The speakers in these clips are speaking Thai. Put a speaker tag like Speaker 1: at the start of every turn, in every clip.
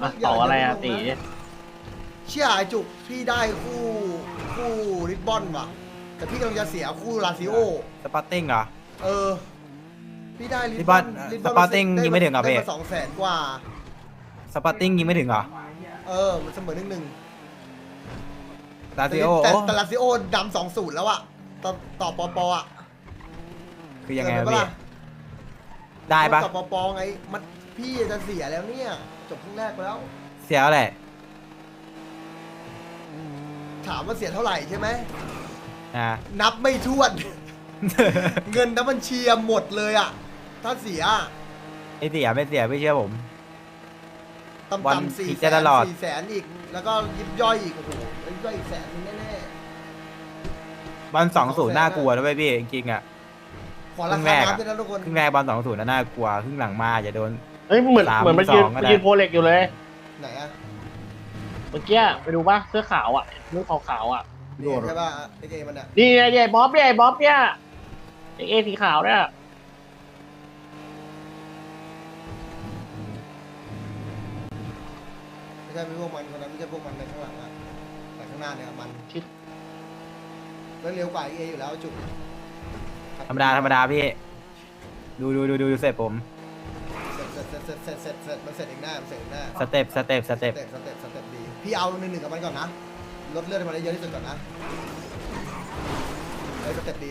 Speaker 1: เต่าอะไรอะตี
Speaker 2: เชี่ยไอจุกพี่ได้คู่ริบบอนว่ะแต่พี่กำลังจะเสียคู่ลาซิโอ
Speaker 3: สปาร์ติ้งเหรอ
Speaker 2: เออพี่ได้
Speaker 3: ริบบอนสปาร์ติ้งยิงไม่ถึงเหรอพี่
Speaker 2: ได้มา200,000 กว่า
Speaker 3: สปาร์ติ้งยิงไม่ถึงเหรอ
Speaker 2: เออมันเสมอ1-1
Speaker 3: ลาซิโอ
Speaker 2: แต่ลาซิโอดำ2-0แล้วอะต่อปอปออะ
Speaker 3: คือยังไง
Speaker 2: เกิน
Speaker 3: วะ
Speaker 2: ป
Speaker 3: พี่ได้ปะ
Speaker 2: ต่อปอปอไงมันพี่จะเสียแล้วเนี่ยจบครึ่งแรกไปแล้ว
Speaker 3: เสียแล้วแหละ
Speaker 2: ถามว่าเสียเท่าไหร่ใช่ไหม
Speaker 3: อ่า
Speaker 2: นับไม่ถ้วน เงินน้ำบัญชีหมดเลยอะถ้าเสีย
Speaker 3: ไม่เสียไม่เสียไม่เชื่อผม
Speaker 2: ต่
Speaker 3: วัน
Speaker 2: ำๆ4
Speaker 3: อีก
Speaker 2: แส
Speaker 3: จะต
Speaker 2: น
Speaker 3: ลอด
Speaker 2: 4 แสนอีก แล้วก็ยิบย่อยอีกโอ้โหยิบย่อยอีก100,000แน่
Speaker 3: บอล2-0น่ากลัวนะเว้ยพี่จริงๆอ่ะ
Speaker 2: ๆขอรา
Speaker 3: ครึ่งแร
Speaker 2: คาก
Speaker 3: อะ
Speaker 2: น้ำด้วยนะทุกคน
Speaker 3: ครึ่งแรกบอล2-0น่ากลัวครึ่งหลังมาจะโดน
Speaker 1: เฮ้ยเหมือน
Speaker 3: 3-2
Speaker 1: มันยืน
Speaker 3: ก็ได้
Speaker 1: โพเล็กอยู่เลย
Speaker 2: ไหนอะ
Speaker 1: เมื่อกี้ไปดูป่ะเสื้อขาวอ่ะเสื้อขาวๆอ่ะ
Speaker 2: นี่ใช่ป่ะไอเกมมันอะ
Speaker 1: นี่ไอ้บ๊อบเนี่ยไอ้บ๊อบเนี่ยไอ้เอสีขาวเนี่ย
Speaker 2: ไม่ใช่พวกมันคนนั้นไม่ใช่พวกมันในข้างหลังอะแต่ข้างหน้าเนี่ยมันแล้วเร็วกว่าเออยู่แล้วจุก
Speaker 3: ธรรมดาพี่ดูเสร็จผม
Speaker 2: เสร็จมันเสร็จเองหน้ามันเสร็จเองหน้า
Speaker 3: สเต็ป
Speaker 2: สเต็ปดีพี่เอา1-1กับมันก่อนนะลดเลือดให้มันได้เยอะที่สุดก่อนนะเฮ้ยสเต็ปดี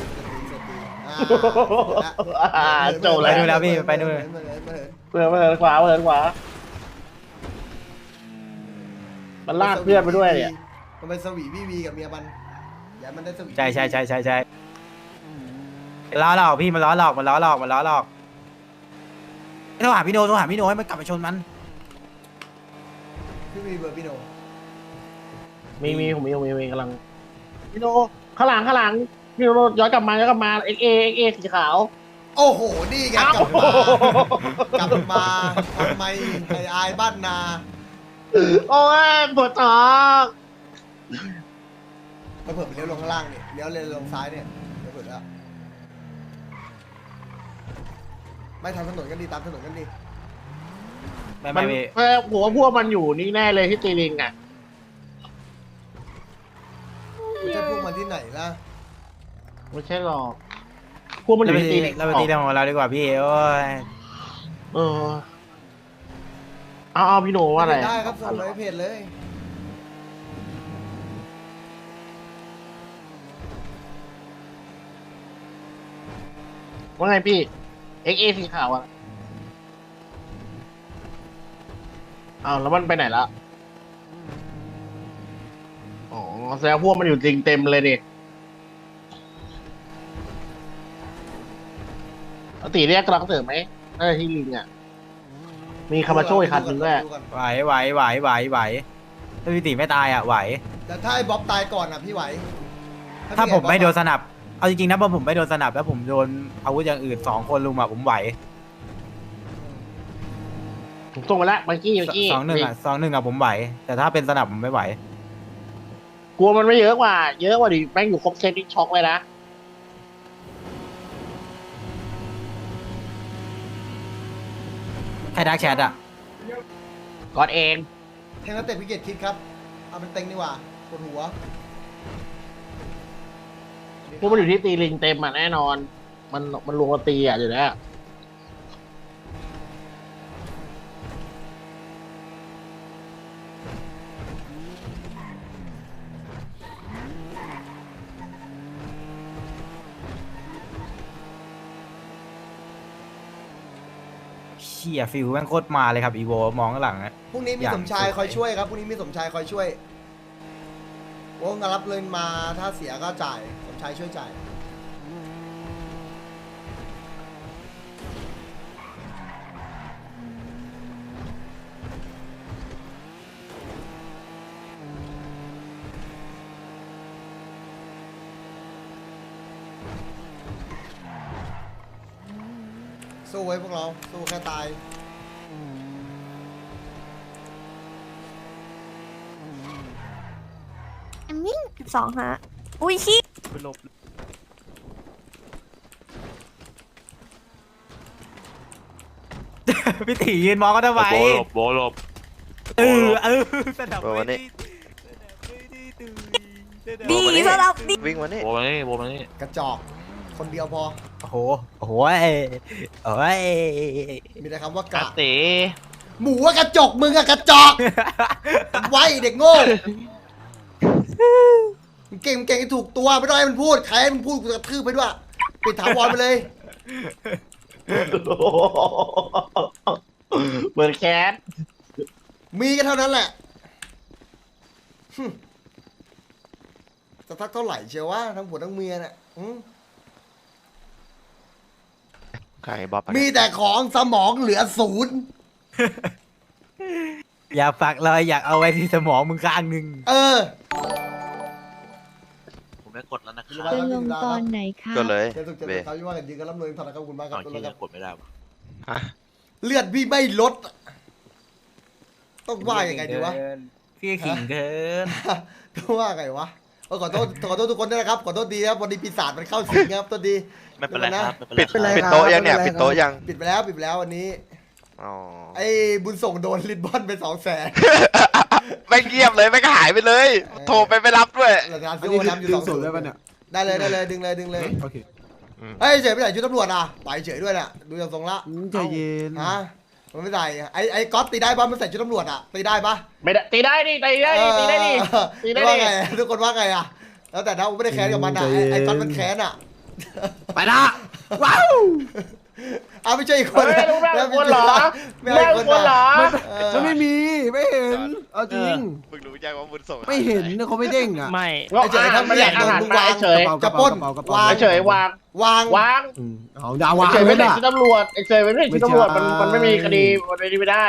Speaker 1: โจเลย
Speaker 3: ไปดูแล้วพี่ไปดู
Speaker 1: เปิดขวามันลากเพื่อนไปด้วยเนี่ย
Speaker 2: มันเป็นสวีวีกับเมียมันอย่ามันได้สวี
Speaker 3: ใช่ล้อหลอกพี่มันล้อหลอกไม่ต้องหาพี่โนให้มันกลับไปชนมัน
Speaker 2: พี่มีเบอร์พี่โน
Speaker 1: มีผมมีกำลังพี่โนข้างหลังพี่โนย้อนกลับมาเอ็กเอสีขาว
Speaker 2: โอ้โหนี่ไงกลับมาทำไมไอ้อายบ้านนา
Speaker 1: โอ้ยปวดท้อง
Speaker 2: ไปเผื่อไปเลี้ยวลงข้างล่างเนี่ยเลี้ยวเลยลงซ้ายเนี่ยไปเผื่อแล้วไม่ทำถนนกันดีตามถนนกันดี
Speaker 3: ไม่พี่
Speaker 1: ผมว่าพวกมันอยู่นี่แน่เลยที่ตีลิงอ่ะ
Speaker 2: ไม่ใช่พวกมันที่ไหนล่ะ
Speaker 1: ไม่ใช่หรอกพวกมันอยู่ที่ตีลิง
Speaker 3: เราไปตีเรื่องของเราดีกว่าพี่โอ้ย
Speaker 1: เออเอาพี่โนว่าอะไร
Speaker 2: ได้ครับส่งไปเพจเลย
Speaker 1: ว่าไงพี่เอ็กเอสีขาวอ่ะอ้าวแล้วมันไปไหนละอ๋อแสดงพวกมันอยู่จริงเต็มเลยดิตีเรียกกำลังเสริมไหมน่าจะที่ลิงอ่ะมีคามาโชอีกคันหนึ่งด้วย
Speaker 3: ไหวถ้าพี่ตีไม่ตายอ่ะไหว
Speaker 2: แต่ถ้าไอ้บ๊อบตายก่อนอ่ะพี่ไหว
Speaker 3: ถ้าผมไม่โดนสนับเอาจริงๆนะพอผมไม่โดนสนับแล้วผมโดนอาวุธอย่างอื่น2 คนลุมอ่ะผมไหว
Speaker 1: ผมส่งไปแล้วเมื่อกี้
Speaker 3: 2-1อ่ะผมไหว แต่ถ้าเป็นสนับผมไม่ไหว
Speaker 1: กลัวมันไม่เยอะกว่าดิแม่งอยู่ครบเซตที่ช็อกไว้นะ
Speaker 3: ใครดักแชทอ่ะ
Speaker 1: ก่อนเอง
Speaker 2: แทงนักเตะพิเกตคิดครับเอาเป็นเต็งดีกว่าปวดหัว
Speaker 1: พวกมันอยู่ที่ตีลิงเต็มอ่ะแน่นอน มันรวมกันตีอ่ะอยู่แล้ว
Speaker 3: เชี่ยฟิลแม่งโคตรมาเลยครับอีโวมองข้างหลังอะ
Speaker 2: พรุ่งนี้มี
Speaker 3: อย่าง
Speaker 2: สมชาย
Speaker 3: สวย
Speaker 2: คอยช่วยครับพรุ่งนี้มีสมชายคอยช่วยโอ้งานรับเงินมาถ้าเสียก็จ่ายสมชายช่วยจ่ายสู้ไว้พวกเราสู้แค่ตาย
Speaker 4: แอมมิ่ง12ฮะอุ้ยชี้
Speaker 3: พี่ตียืนมองก็ทำไม
Speaker 5: โบหลบ
Speaker 3: สนับ
Speaker 5: โอ้วันนี้
Speaker 4: ดีสำหรับดี
Speaker 5: วิ่งวันนี้
Speaker 1: โบมานี่โบมานี่
Speaker 2: กระจอกคนเดียวพอ
Speaker 3: โอ้โหโอ้ย
Speaker 2: มีแต่คำว่าก
Speaker 1: กา
Speaker 2: ระ
Speaker 1: เต๋
Speaker 2: หมูว่ากระจกมึงอะกระจอกไว้เด็กโง่มึงเก่งให้ถูกตัวไม่ต้องให้มันพูดใครให้มันพูดกูจะกระทืบไปด้วยปิดถาวรไปเลย
Speaker 1: เหมือนแคท
Speaker 2: มีกันเท่านั้นแหละหึจะทักเท่าไหร่เชียววะทั้งผัวทั้งเมียเนี่ย
Speaker 5: ใครบ๊อบ
Speaker 2: มีแต่ของสมองเหลือศูนย์
Speaker 3: อยากฝากรอยอยากเอาไว้ที่สมองมึงข้างหนึ่ง
Speaker 1: ผมได้กดแล้วนะค
Speaker 2: จะ
Speaker 1: รับ
Speaker 2: ลงตอนไหน
Speaker 5: ก็เลย
Speaker 2: เจตุกเจ
Speaker 5: เบ
Speaker 2: ตุกเขาที่ว่ากันยืนกันรับเลยทอนนะครับคุณมากค
Speaker 1: ก่
Speaker 2: รั
Speaker 1: อบ น
Speaker 2: ตัว
Speaker 1: ที่
Speaker 2: ค
Speaker 1: จะ
Speaker 2: รับ
Speaker 1: กดไม่ได้
Speaker 5: ฮะ
Speaker 2: เลือดพี่ไม่ลด ต้องว่ายังไงดีวะ
Speaker 3: พี่ขิงเกิน
Speaker 2: ต้องว่าไงวะขอโทษทุกคนด้วยนะครับขอโทษดีครับวันนี้ปีศาจมันเข้าสิงครับตัวดี
Speaker 1: ไม่เป็นไรครับไม่
Speaker 5: ปิด
Speaker 1: เป็นไร
Speaker 5: ปิดโต๊ะยังเนี่ยปิดโต๊ะยัง
Speaker 2: ปิดไปแล้ววันนี้
Speaker 5: อ๋อ
Speaker 2: ไอ้บุญส่งโดนลินบอนไป200,000
Speaker 5: ไม่เงียบเลยไม่หายไปเลย โทรไปไม่รับด้วย
Speaker 2: เราจะซื้อโอน้ำอยู่2
Speaker 6: ได้ปะเนี่ย
Speaker 2: ได้เลยดึงเลย
Speaker 6: โอเค
Speaker 2: เฮ้ยเฉยไปไหนชุดตำรวจอ่ะไปเฉยด้วยน่ะดูจากทรงละ
Speaker 6: ใจเย็น
Speaker 2: ฮะมันไม่ใส่ไอ้ก๊อตตีได้ปะมันใส่ชุดตำรวจอ่ะตีได้ปะ
Speaker 1: ไม่ได้ตีได้ดิตีได้ดิตีได้ดิตีได้
Speaker 2: ว่า
Speaker 1: ดิ
Speaker 2: ไงทุกคนว่าไงอ่ะแล้วแต่นะผมไม่ได้แค้นกับมันอ่ะไอ้ก๊อตมันแค้นอ่ะ
Speaker 6: ไปละว้าว
Speaker 2: เอาไม่ใช่อีกคน
Speaker 1: เฮ้ยรู้ไหมคนเหรอ
Speaker 2: ไม่
Speaker 1: แม่
Speaker 2: ใช่
Speaker 1: ง
Speaker 2: คน
Speaker 1: คนเหรอ
Speaker 6: มันไม่มีไม่เห็นเอาจริง
Speaker 5: มึงรู้ยังว่าบุญส่ง
Speaker 6: ไม่เห็นนะเขาไม่เด้งอ่ะ
Speaker 3: ไม่
Speaker 1: ก็เฉยทำไม่ได้อาหารมาเฉย
Speaker 2: จะปล้นวาง
Speaker 1: เฉยวาง
Speaker 2: วาง
Speaker 1: วาง
Speaker 6: เอาดาวาง
Speaker 1: เฉย
Speaker 6: เล
Speaker 1: ไม่
Speaker 6: ย
Speaker 1: ได้
Speaker 6: นะ
Speaker 1: ชุดตำรวจเฉยไม่ได้ชุดตำรวจมันไม่มีคดีมันไม่ได้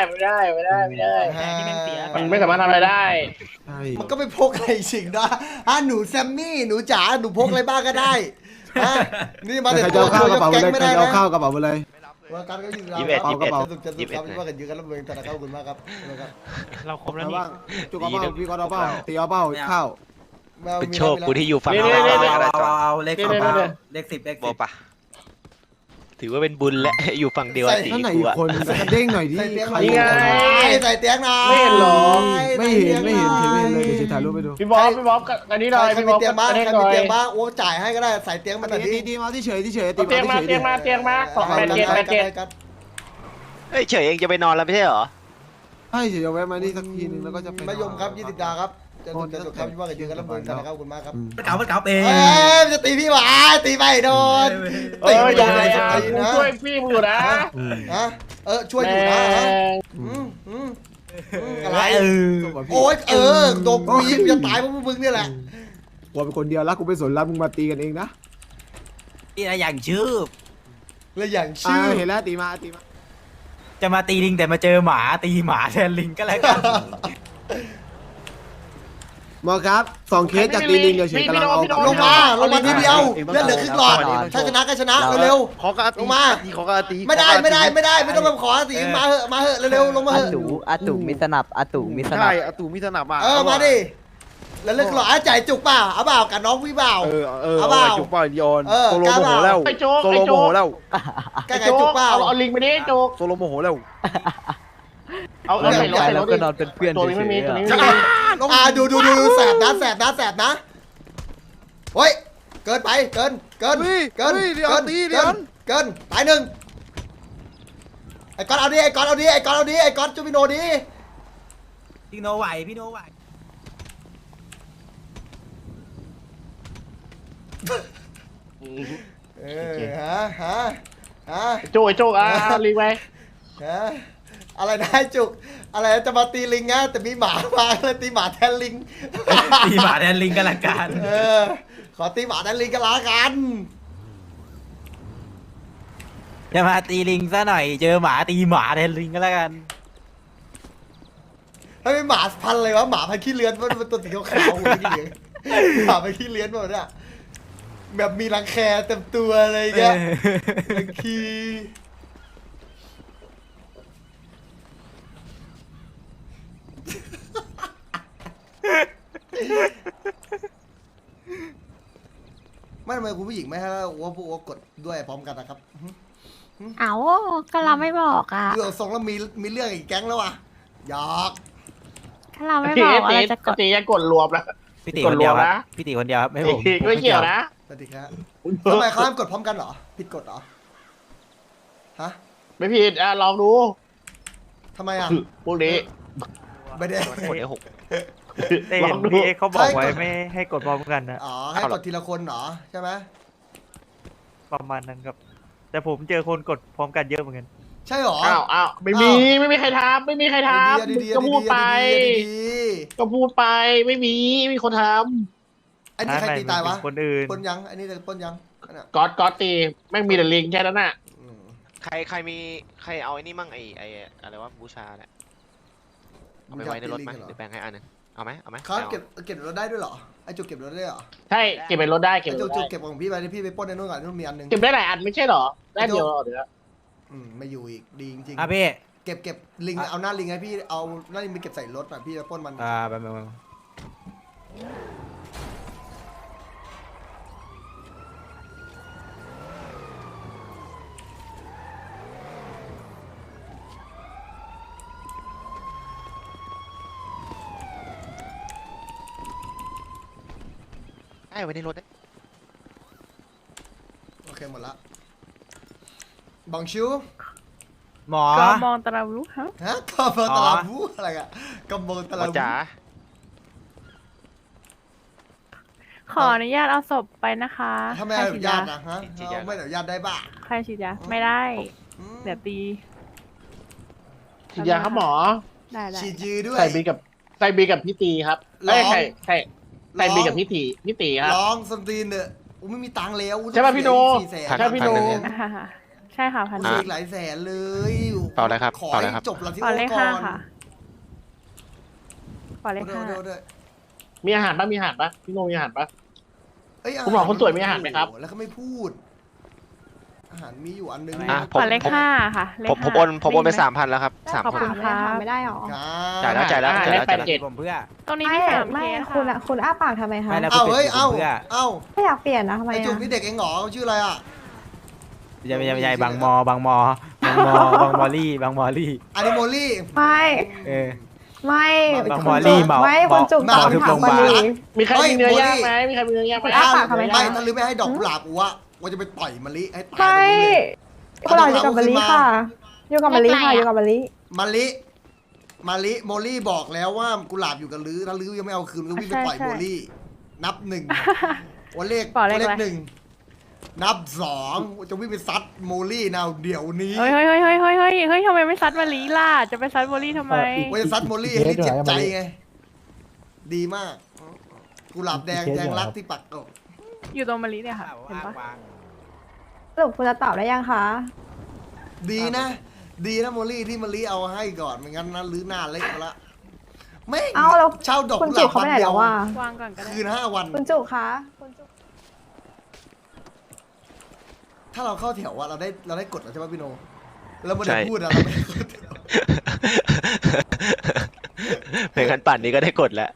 Speaker 1: มันไม่สามารถทำอะไรได้
Speaker 6: ใช่
Speaker 2: มันก็ไม่พกอะไรสิ่งนะหนูแซมมี่หนูจ๋าหนูพกอะไรบ้างก็ได้ฮะนี่มาแต่
Speaker 6: ใคร
Speaker 2: ตั
Speaker 6: จะ
Speaker 2: ว
Speaker 6: เอาข้าวกระเป๋าไป
Speaker 2: แก๊ง
Speaker 6: เลย
Speaker 2: ไม่
Speaker 6: ใคร
Speaker 2: ได้
Speaker 6: จะเอา
Speaker 2: นะ
Speaker 6: ข้าวกระเป๋าไปเลย
Speaker 2: ว่าการก็ยืน
Speaker 5: 21
Speaker 2: กระเป๋า
Speaker 6: 21
Speaker 2: จะเขาที่ว่ากันยืนกันรับเงินแต่ละครับขอบคุณมากครับ
Speaker 3: เราครบแล้ว
Speaker 6: แล้ว
Speaker 3: นี่
Speaker 6: บ้างจุกเอาเป้าพี่ก็เอาเป้าตีเอาเป้าข้าว
Speaker 5: เป็นโชคกูที่อยู่ฝั่ง
Speaker 1: นี่
Speaker 5: เรา
Speaker 1: นี่
Speaker 3: เอาเลขสิบเลขสิบเลข
Speaker 5: บ
Speaker 3: สิ
Speaker 5: อบ กปะถือว่าเป็นบุญและ อยู่ฝั่งเดียวกับตี
Speaker 6: ท่านไหน
Speaker 5: กู
Speaker 6: อีก
Speaker 5: อะ
Speaker 6: คนกระเด้งหน่อยดิ
Speaker 2: ใส่เตียง
Speaker 6: ใคร
Speaker 1: นี่ไง
Speaker 2: ใส่เตียงหน่อย
Speaker 1: ไม่เห็นหรอ
Speaker 6: ไม่เห็นเฉยไม่เห็นเลยเดี๋ยวจะถ่ายรูปไปดู
Speaker 1: พี่บ๊อบอันนี้หน่อย
Speaker 2: ใคร
Speaker 1: พี่
Speaker 2: มี
Speaker 1: บ๊อบ
Speaker 2: เตียงบ้าง
Speaker 1: อัน
Speaker 2: ใคร
Speaker 1: นี้ห
Speaker 2: มี
Speaker 1: น่อย
Speaker 2: เตียงบ้างโอ้จ่ายให้ก็ได้ใส่เตียงมาแต่ดี
Speaker 6: ตีมาที่เฉยที่เฉยตี
Speaker 1: เตียง
Speaker 6: มา
Speaker 1: มา
Speaker 6: ที่เฉย
Speaker 1: เตียงมาเตียงมา287
Speaker 5: เฮ้ยเฉยเองจะไปนอนแล้วไม่ใช่เหรอ
Speaker 6: ใช่เฉยจะแวะมานี่สักทีนึงแล้วก็จะไป
Speaker 2: มายมครับ20 ดาวครับจะจบครับที่ว่ากันยืนกันรับเงินแต่ละครับขอบคุณมากครับ
Speaker 3: มันเก่าเอง
Speaker 2: เอ้ยจะตีพี่หวาตีไปโดน
Speaker 1: เอออย่า
Speaker 2: ตี
Speaker 1: อย่า
Speaker 2: ตี
Speaker 1: กู
Speaker 2: นะ
Speaker 1: ช่วยพี่มึงอยู่นะ
Speaker 2: ฮะช่วยอยู่นะอะไรโอ้ยโดนกูยิงจะตายเพราะมึงนี่แหละ
Speaker 6: กูเป็นคนเดียวรักกูไปสนรักมึงมาตีกันเองนะ
Speaker 3: นี่อะไรอย่างชื่อ
Speaker 2: แล้วอย่างชื่อ
Speaker 6: เห็นแล้วตีมา
Speaker 3: จะมาตีลิงแต่มาเจอหมาตีหมาแทนลิงก็แล้วกัน
Speaker 6: หมอครับ2 เคสจากตีลิงเฉยกำลังเอา
Speaker 2: ลงมาทีเดียวเลือดเหลือครึ่งหลอดถ้าชนะก็ชนะเร็ว
Speaker 5: ขอกระตี
Speaker 2: ลงมา
Speaker 5: ขอกระตี
Speaker 2: ไม่ได้ไม่ต้องมาขอตีมาเหอะเร็วลงมาเหอะ
Speaker 7: อาตู่มีสนับอาตู่มีสนั
Speaker 5: ใช่
Speaker 7: บ
Speaker 5: อาตูมีสนับอ่ะ
Speaker 2: มาดิแล้วเลือดหลอดจ่ายจุกเปล่าเอาเปล่ากับน้องพี่เปล่า เอาเปล่า
Speaker 5: จุกปล่อยโยน
Speaker 2: โซโลโมโหแล้ว
Speaker 1: ไอ้โจ๊ก
Speaker 5: โซโลโมโหแล้ว
Speaker 2: แกไงจุกเปล่า
Speaker 1: เอาลิงไปดิโจ๊ก
Speaker 5: โซโลโมโหแล้ว
Speaker 1: เอา
Speaker 7: แล้ว
Speaker 1: ใส่รถใส่ร
Speaker 7: แล้ว
Speaker 1: ถ
Speaker 7: ก็นอนเป็นเพื่อน
Speaker 1: ตัวนี้ไม่มี
Speaker 7: เฉ
Speaker 1: ตัวย นี้
Speaker 7: ๆ
Speaker 1: ไม่
Speaker 7: อะ
Speaker 1: มี
Speaker 2: ดูแสบนะเฮ้ยเกินไปเกินตายหนึ่งไอ้ก้อนเอาดิไอ้ก้อนจูบิโนดิ
Speaker 3: พี่โนไหวพี่โนไหว
Speaker 2: ฮะ
Speaker 1: โจ๊กไอ้โจ๊กลิงไป
Speaker 2: อะไรนะจุกอะไรจะมาตีลิงนะแต่มีหมามาเลยตีหมาแทนลิง
Speaker 3: ตีหมาแทนลิงก็แล้วกัน
Speaker 2: ขอตีหมาแทนลิงกันละกัน
Speaker 3: จะมาตีลิงซะหน่อยเจอหมาตีหมาแทนลิงก็แล้วกัน
Speaker 2: ถ้าเป็นหมาพันเลยวะหมาพันขี้เลื้อนมันตัวสีขาวๆหัวขี้เหลืองหมาพันขี้เลื้อนหมดเนี่ยแบบมีรังแคเต็มตัวอะไรเงี้ยรังคีไม่ทำไมคุณผู้หญิงไม่ให้ว่าพวกกดด้วยพร้อมกันนะครับ
Speaker 4: เอาก็เราไม่บอกอ่ะ
Speaker 2: ดูทรงแล้วมีเรื่องอีกแก๊งแล้วว่ะหยอก
Speaker 4: ถ้าเราไม่บอกว่าเราจะกด
Speaker 1: ตียังกดรวมแล้ว
Speaker 3: พี่ตีคนเดียว
Speaker 1: กดรวม
Speaker 3: ครั
Speaker 1: นะ
Speaker 3: บพี่ตีคนเดียวครับไม่ผม
Speaker 1: ไม่เกี่ยวนะ
Speaker 2: สวัสดีครับทำไมเขาห้ามกดพร้อมกันเหรอผิดกฎเหรอฮะ
Speaker 1: ไม่ผิดลองดู
Speaker 2: ทำไมอ่ะ
Speaker 1: พวกนี้
Speaker 2: ไม่ได้
Speaker 5: คนเดียวหก
Speaker 8: แต่
Speaker 1: ล
Speaker 8: เห็
Speaker 1: อน งดู
Speaker 8: พี่เอ็กซ์เขาบอกไว้
Speaker 2: ใช่
Speaker 8: ไม่ให้กดพร้อมกันนะ
Speaker 2: อ๋อให้กดทีละคนเหรอใช่ไหม
Speaker 8: ประมาณนั้นครับ แต่ผมเจอคนกดพร้อมกันเยอะเหมือนกัน
Speaker 2: ใช่เหรอ
Speaker 1: อ้าวไม่มีใครทำไม่มีใครทำ
Speaker 2: ดีๆ
Speaker 1: ก็พูดไป
Speaker 2: ดี
Speaker 1: ก็พูดไปไม่มีคนท
Speaker 2: ๆอันนี้ใครตีตายวะ
Speaker 8: คนอื่น
Speaker 2: ปนยังอันนี้จะปนยังอันน่ะ
Speaker 1: ำก๊อตตีแม่งมีแต่ลิงแค่นั้นน่ะ
Speaker 2: อืม
Speaker 5: ใครมีใครเอาไอ้นี่มั่งไอ้อะไรวะบูชาเนี่ยเอาไปไว้ในรถไหมหรือแบ่งให้อันนึงเอาไหม
Speaker 2: เขาเก็บรถได้ด้วยเหรอไอจุกเก็บรถได้เหรอ
Speaker 1: ใช่เก็บเป็นรถได้เก็บ
Speaker 2: ไอ
Speaker 1: เป็น
Speaker 2: จุ
Speaker 1: ร
Speaker 2: ก
Speaker 1: ถ
Speaker 2: จุ
Speaker 1: ได้
Speaker 2: กเก็บของพี่ไปที่พี่ไปปล้นในนู่นก่อนนู่นมีอันหนึง
Speaker 1: เก็บได้หลายอันไม่ใช่เหรอได้เดียวเหรอเดี๋ยว
Speaker 2: ไม่อยู่อีกดีจริง
Speaker 3: อ่ะพี่
Speaker 2: ๆเก็บลิงเอาหน้าลิงให้พี่เอาหน้าลิงไปเก็บใส่รถอ่ะพี่จะปล้นมัน
Speaker 3: แป๊บนึง
Speaker 5: ได้ไว้ในรถได้
Speaker 2: โอเคหมดละบังชิว
Speaker 3: หมอ
Speaker 4: ก็มองตราวุฮะ
Speaker 2: ฮะกำมงตลาบูอะไรอะกำมงตลา
Speaker 5: ว่า
Speaker 2: บู
Speaker 5: จ๋า
Speaker 4: ขออนุญาตเอาศพไปนะคะ
Speaker 2: ถ้าไม่
Speaker 4: ใคร
Speaker 2: อ
Speaker 4: ฉี
Speaker 2: นุ
Speaker 4: ด
Speaker 2: ญาย
Speaker 4: า
Speaker 2: ตนะฮะเราไม่อนุญาตได้บ้า
Speaker 4: ใครฉีดยาไม่ได้
Speaker 2: อืม
Speaker 4: เดี๋ยวตี
Speaker 1: ฉีดยาครับหมอ
Speaker 4: ได้
Speaker 2: ฉีดยือด้วย
Speaker 1: ใส่บีกับพี่ตีครับ
Speaker 2: ลอง
Speaker 1: ใส่บีกับพี่ตีครับ
Speaker 2: ร้องสตรีนเนอะอูไม่มีตังค์แล้ว
Speaker 1: ใช่ป่ะพี่โด
Speaker 2: 400,000
Speaker 1: ใช่พี่โด
Speaker 4: ใช่ค่ะพัน
Speaker 2: กูอีกหลายแสนเลย
Speaker 5: เปล่าอะไรครับ
Speaker 2: ขอ
Speaker 5: เปล่าอะไร
Speaker 2: ให้
Speaker 5: ครับ
Speaker 2: จบละที่
Speaker 4: ขอ
Speaker 2: โอ้
Speaker 4: เลข
Speaker 2: ก่
Speaker 4: ห้า
Speaker 2: อน
Speaker 4: ค่ะขอเลข
Speaker 2: โด
Speaker 4: ห้า
Speaker 2: โดโด
Speaker 1: มีอาหารปะมีอาหารปะพี่โนมีอาหารปะ
Speaker 2: เอ้ย
Speaker 1: คุณหมอคนสวยมีอาหารไหมครับ
Speaker 2: แล้วก็ไม่พูด อาหารมีอยู่อันนึง
Speaker 5: อ่ะ
Speaker 4: ขอเลขห้าค่ะเลข
Speaker 5: ผม
Speaker 4: ห้า
Speaker 5: โอนไป
Speaker 4: ด้ยินห
Speaker 5: 3,000แล้วครับ
Speaker 4: ขอบคุณ
Speaker 5: 3,000
Speaker 4: ค่ะ
Speaker 9: ไม่ได้หรอ
Speaker 2: ครับ
Speaker 5: จ่ายแล้ว
Speaker 1: อาหารได้87
Speaker 3: ผมเพื่อ
Speaker 4: ตรงนี้
Speaker 9: ไม่
Speaker 4: มี3
Speaker 9: ไม่
Speaker 4: เคส
Speaker 9: คุณ
Speaker 4: ค่ะ
Speaker 9: คุณอ้าปากทำไมคะ
Speaker 3: ไม่แล้ว
Speaker 2: เอ้าเฮ้ย เอ้า
Speaker 3: เพื่อ
Speaker 2: เอ้า
Speaker 9: ไม่อยากเปลี่ยนนะทำไม
Speaker 2: ไอจุก
Speaker 9: อ่ะ
Speaker 2: นี่เด็กเองเหรอชื่ออะไรอ่ะ
Speaker 3: ไม่ใช่บางมอลี่บางมอลี่
Speaker 2: อานิโมลี่
Speaker 9: ไม่
Speaker 3: เออ
Speaker 9: ไม่
Speaker 3: บางมอลี่เหมา
Speaker 9: ไม่คนจุก
Speaker 2: เหมา
Speaker 9: ตอบ
Speaker 3: ทุก
Speaker 9: ถา
Speaker 3: โร
Speaker 9: ม
Speaker 3: งพ
Speaker 9: คน
Speaker 3: ยาบาล
Speaker 9: ดี
Speaker 1: มีใครมีเนื้อย่างไหมมีใครมีเนื้อย่างไหม
Speaker 9: คุณอ้าปากทำไมคะ
Speaker 2: ไม่ถ้าลืมไม่ให้ดอกกุหลาบอูอะว่าจะไปต่อยมะลิให้ตายตรง
Speaker 9: ไม่
Speaker 2: นี้เลย
Speaker 9: คุณหลอกอยู่กับมะลิค่ะ อยู่กับมะลิค่ะ อยู่กับมะลิ
Speaker 2: มะลิโมลี่บอกแล้วว่ากุหลาบอยู่กับลือถ้าลือยังไม่เอาคืนก็วิ่งไปต่อยโมลี่นับหนึ่งวันเลข
Speaker 4: บอกเลข
Speaker 2: เล
Speaker 4: อะไร
Speaker 2: ขหนึ่งนับสองจะวิ่งไปซัดโมลี่นาวเดี๋ยวนี้
Speaker 4: เฮ้ยทำไมไม่ซัดมาลีล่ะจะไปซัดโมลี่ทำไม
Speaker 2: ว่าจะซัดโมลี่ให้ได้เจ็บใจไงดีมากกุหลาบแดงแทงรักที่ปักอก
Speaker 4: อยู่ตรงมาลีเนี่ยค่ะเห็นปะ
Speaker 9: สรุปคุณจะตอบได้ยังคะ
Speaker 2: ดีนะโมลี่ที่มะลิเอาให้ก่อนไม่งั้นนะลือหน้าเละมาละแม่ง
Speaker 9: เอาแล้ว
Speaker 2: เช่าดอก
Speaker 9: คุณ
Speaker 2: กุห
Speaker 9: จุ
Speaker 2: ลาก บ
Speaker 9: เขา
Speaker 2: วัน
Speaker 9: ไปไหน
Speaker 2: เดีย
Speaker 9: แล้ว วว่ะ
Speaker 4: วางก่อนก็ได้
Speaker 2: คืน5 วัน
Speaker 9: คุณจุกคะคุณจุก
Speaker 2: ถ้าเราเข้าแถวอะเราได้กดแล้วใช่ป่ะพี่โนแล้วมัน
Speaker 5: ใช่
Speaker 2: ได้พูดอะเราไม่ได้กดแถว
Speaker 5: เป็นกันปั่นนี้ก็ได้กดแล้ว